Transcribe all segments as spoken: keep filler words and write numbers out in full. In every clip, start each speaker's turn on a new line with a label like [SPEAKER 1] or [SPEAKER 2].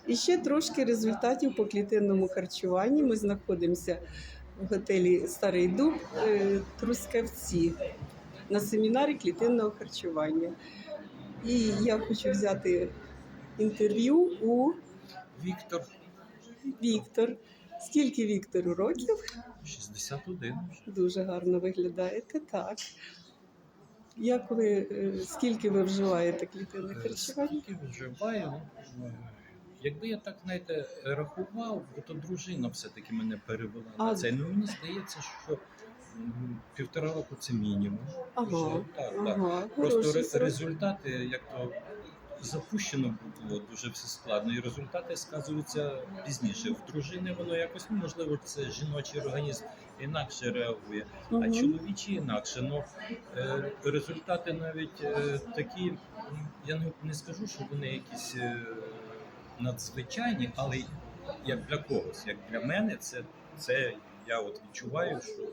[SPEAKER 1] І ще трошки результатів по клітинному харчуванні. Ми знаходимося в готелі Старий Дуб е, Трускавці на семінарі клітинного харчування. І я хочу взяти інтерв'ю у
[SPEAKER 2] Віктор,
[SPEAKER 1] Віктор. Скільки Віктору років?
[SPEAKER 2] шістдесят один вже.
[SPEAKER 1] Дуже гарно виглядаєте, так. Як ви, е, скільки ви вживаєте клітинне харчування?
[SPEAKER 2] Скільки вживаю? Ну, Якби я так, знаєте, рахував, то дружина все-таки мене перевела
[SPEAKER 1] А.
[SPEAKER 2] на це. Ну, мені здається, що м, півтора року це мінімум.
[SPEAKER 1] Ага,
[SPEAKER 2] Вже, так, так.
[SPEAKER 1] ага.
[SPEAKER 2] Просто
[SPEAKER 1] Хороший
[SPEAKER 2] ре-
[SPEAKER 1] срок.
[SPEAKER 2] результати, як то запущено було дуже все складно, і результати сказуються пізніше. В дружини воно якось, ну, можливо, це жіночий організм інакше реагує, а
[SPEAKER 1] Мгм.
[SPEAKER 2] чоловічий інакше. Ну, е, результати навіть е, такі, м, я не, не скажу, що вони якісь е, надзвичайні, але як для когось, як для мене, це, це я от відчуваю, що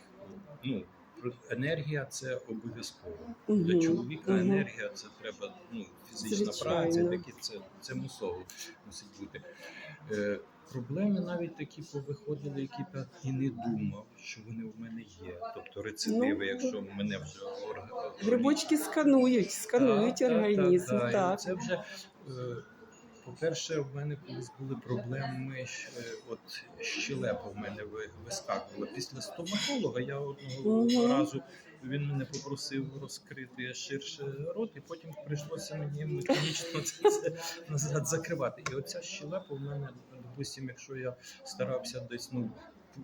[SPEAKER 2] ну, енергія це обов'язково. Для
[SPEAKER 1] Мгм,
[SPEAKER 2] чоловіка
[SPEAKER 1] мгм.
[SPEAKER 2] енергія це треба, ну, фізична
[SPEAKER 1] Звичайно.
[SPEAKER 2] праця, такі це, це мусово мусить бути. Е, проблеми навіть такі повиходили, які б я і не думав, що вони в мене є. Тобто рецидиви,
[SPEAKER 1] Ну,
[SPEAKER 2] якщо мене вже орг...
[SPEAKER 1] Грибочки сканують, сканують
[SPEAKER 2] Так, так,
[SPEAKER 1] організм.
[SPEAKER 2] так, так.
[SPEAKER 1] Так,
[SPEAKER 2] І це вже, е, по-перше, в мене колись були проблеми, щ- е, от щелепа в мене ви- вискакувала. Після стоматолога я одного
[SPEAKER 1] Мгм.
[SPEAKER 2] разу, він мене попросив розкрити ширше рот, і потім прийшлося мені механічно це все назад закривати. І оця щелепа в мене, допустимо, якщо я старався десь, ну,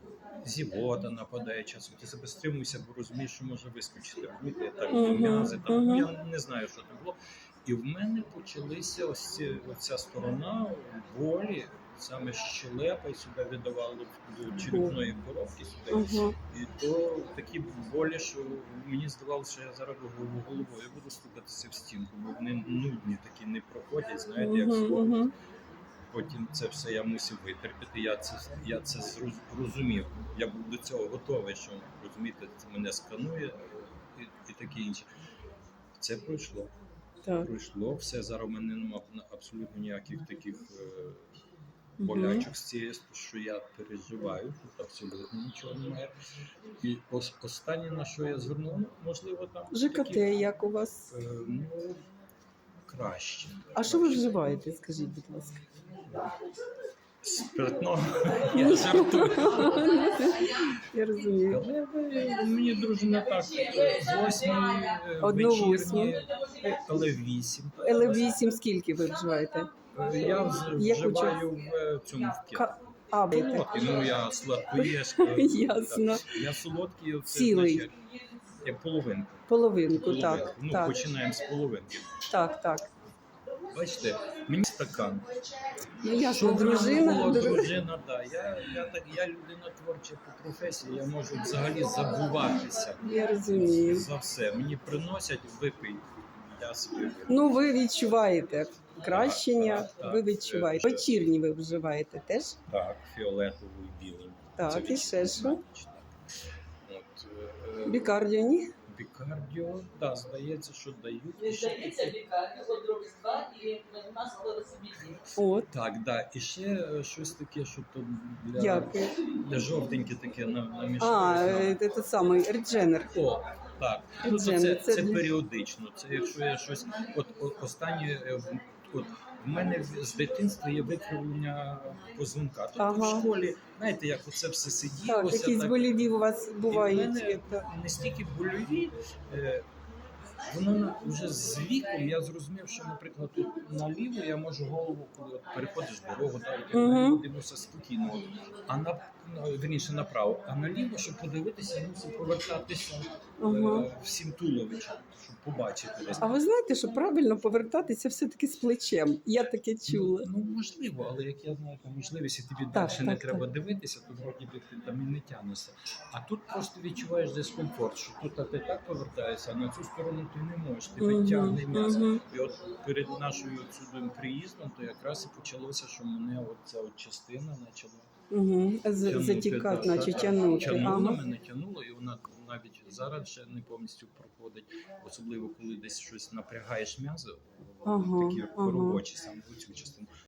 [SPEAKER 2] зівота нападає часом, ти себе стримуєшся, бо розумієш, що може вискочити. Розумієте, я так
[SPEAKER 1] Мгм,
[SPEAKER 2] м'язи, там,
[SPEAKER 1] мгм.
[SPEAKER 2] я не знаю, що там було. І в мене почалися ось ці- оця сторона болі, саме щелепа, і сюди віддавало до черепної коробки сюди.
[SPEAKER 1] Ага.
[SPEAKER 2] І то такі болі, що мені здавалося, що я зараз голову- головою буду стукатися в стінку, бо вони нудні такі не проходять, знаєте, як
[SPEAKER 1] Мгм,
[SPEAKER 2] слово.
[SPEAKER 1] мгм.
[SPEAKER 2] Потім це все я мусив витерпіти. Я це я це зроз- розумів. Я був до цього готовий, що розумієте, це мене сканує і, і таке інше. Це пройшло.
[SPEAKER 1] Так.
[SPEAKER 2] Пройшло все. Зараз у мене немає абсолютно ніяких таких е,
[SPEAKER 1] Мгм.
[SPEAKER 2] болячок з цієї, що я переживаю. Тут абсолютно нічого немає. І ос- останнє, на що я звернув, ну, можливо, там
[SPEAKER 1] ЖКТ
[SPEAKER 2] такі,
[SPEAKER 1] як у вас?
[SPEAKER 2] е, ну, краще.
[SPEAKER 1] А що ви
[SPEAKER 2] Краще.
[SPEAKER 1] вживаєте, скажіть, будь ласка?
[SPEAKER 2] Спиртного. Я жартую.
[SPEAKER 1] Я розумію.
[SPEAKER 2] Але ви- мені дружина так, е, з восьмої е,
[SPEAKER 1] Одну
[SPEAKER 2] вечірні,
[SPEAKER 1] восьму.
[SPEAKER 2] е, але вісім.
[SPEAKER 1] Еле вісім скільки ви вживаєте?
[SPEAKER 2] Е, Я вз-
[SPEAKER 1] Яку
[SPEAKER 2] вживаю в е, цьому в
[SPEAKER 1] Ка- А, ви так.
[SPEAKER 2] солодкий, ну я сладкоєшка.
[SPEAKER 1] Ясно.
[SPEAKER 2] Я солодкий, це
[SPEAKER 1] Цілий.
[SPEAKER 2] значить, як половинку.
[SPEAKER 1] Половинку,
[SPEAKER 2] Половинку.
[SPEAKER 1] так.
[SPEAKER 2] Ну,
[SPEAKER 1] Так,
[SPEAKER 2] починаємо з половинки.
[SPEAKER 1] так, так.
[SPEAKER 2] Бачите, мені стакан.
[SPEAKER 1] Ну, ясно,
[SPEAKER 2] Що в мене
[SPEAKER 1] дружина.
[SPEAKER 2] було,
[SPEAKER 1] дру-
[SPEAKER 2] дружина, да. Я, я, так, я людина творча по професії, я можу взагалі забуватися
[SPEAKER 1] Я розумію.
[SPEAKER 2] за все. Мені приносять, випий, я собі випив.
[SPEAKER 1] Ну, ви відчуваєте кращення,
[SPEAKER 2] Так, так,
[SPEAKER 1] ви
[SPEAKER 2] так.
[SPEAKER 1] відчуваєте. Вечірні ви вживаєте теж?
[SPEAKER 2] Так, фіолетовий, білий.
[SPEAKER 1] Так,
[SPEAKER 2] Це
[SPEAKER 1] і ще що?
[SPEAKER 2] відчуваєш, так. От, е,
[SPEAKER 1] Бікардіо, ні?
[SPEAKER 2] бікардіо, так, здається, що дають. І ще
[SPEAKER 3] Здається,
[SPEAKER 2] таке-
[SPEAKER 3] лікарня, от робить два і у нас хлоросибіді.
[SPEAKER 1] От,
[SPEAKER 2] Так, да. І ще е, щось таке, що то для,
[SPEAKER 1] дякую.
[SPEAKER 2] для жовтеньке таке на,
[SPEAKER 1] А,
[SPEAKER 2] намішають.
[SPEAKER 1] е, це самий редженер.
[SPEAKER 2] О, так. Ну, то
[SPEAKER 1] Джем,
[SPEAKER 2] це,
[SPEAKER 1] це
[SPEAKER 2] це
[SPEAKER 1] для-
[SPEAKER 2] періодично. Це якщо я щось. От о- останнє, е, в- от в мене в- з дитинства є викривлення позвонка. Тобто
[SPEAKER 1] Ага.
[SPEAKER 2] в школі, знаєте, як оце все
[SPEAKER 1] Так,
[SPEAKER 2] сиділося.
[SPEAKER 1] якісь
[SPEAKER 2] так.
[SPEAKER 1] боліві у вас
[SPEAKER 2] І в
[SPEAKER 1] бувають.
[SPEAKER 2] мене
[SPEAKER 1] це-
[SPEAKER 2] не стільки больові. Е, Воно на- вже з віком я зрозумів, що, наприклад, тут наліво я можу голову, коли от переходиш дорогу, так, я
[SPEAKER 1] Мгм.
[SPEAKER 2] наліво дивлюся спокійно. От. А на ну, вірніше направо, а наліво, щоб подивитися, я мусив повертатися
[SPEAKER 1] Ага.
[SPEAKER 2] е, всім туловичем, щоб побачити десь.
[SPEAKER 1] А ви знаєте, що правильно повертатися все-таки з плечем? Я таке чула.
[SPEAKER 2] Ну, можливо, але як я знаю, там можливість, і тобі
[SPEAKER 1] Так,
[SPEAKER 2] далі не
[SPEAKER 1] так,
[SPEAKER 2] треба
[SPEAKER 1] так.
[SPEAKER 2] дивитися, то вроді би ти там і не тягнешся. А тут просто відчуваєш дискомфорт, що тут а ти так повертаєшся, а на цю сторону ти не можеш, тебе
[SPEAKER 1] Мгм,
[SPEAKER 2] тягне м'ясо.
[SPEAKER 1] мгм.
[SPEAKER 2] І от перед нашою сюди приїздом, то якраз і почалося, що мене от ця от частина почала
[SPEAKER 1] Угу.
[SPEAKER 2] тягнути,
[SPEAKER 1] Затікати,
[SPEAKER 2] да,
[SPEAKER 1] наче
[SPEAKER 2] да,
[SPEAKER 1] тягнути.
[SPEAKER 2] Тягнула,
[SPEAKER 1] Ага.
[SPEAKER 2] мене тягнуло, і вона навіть зараз ще не повністю проходить, особливо коли десь щось напрягаєш м'язи,
[SPEAKER 1] Ага,
[SPEAKER 2] такі
[SPEAKER 1] ага.
[SPEAKER 2] робочі, саме цю частину,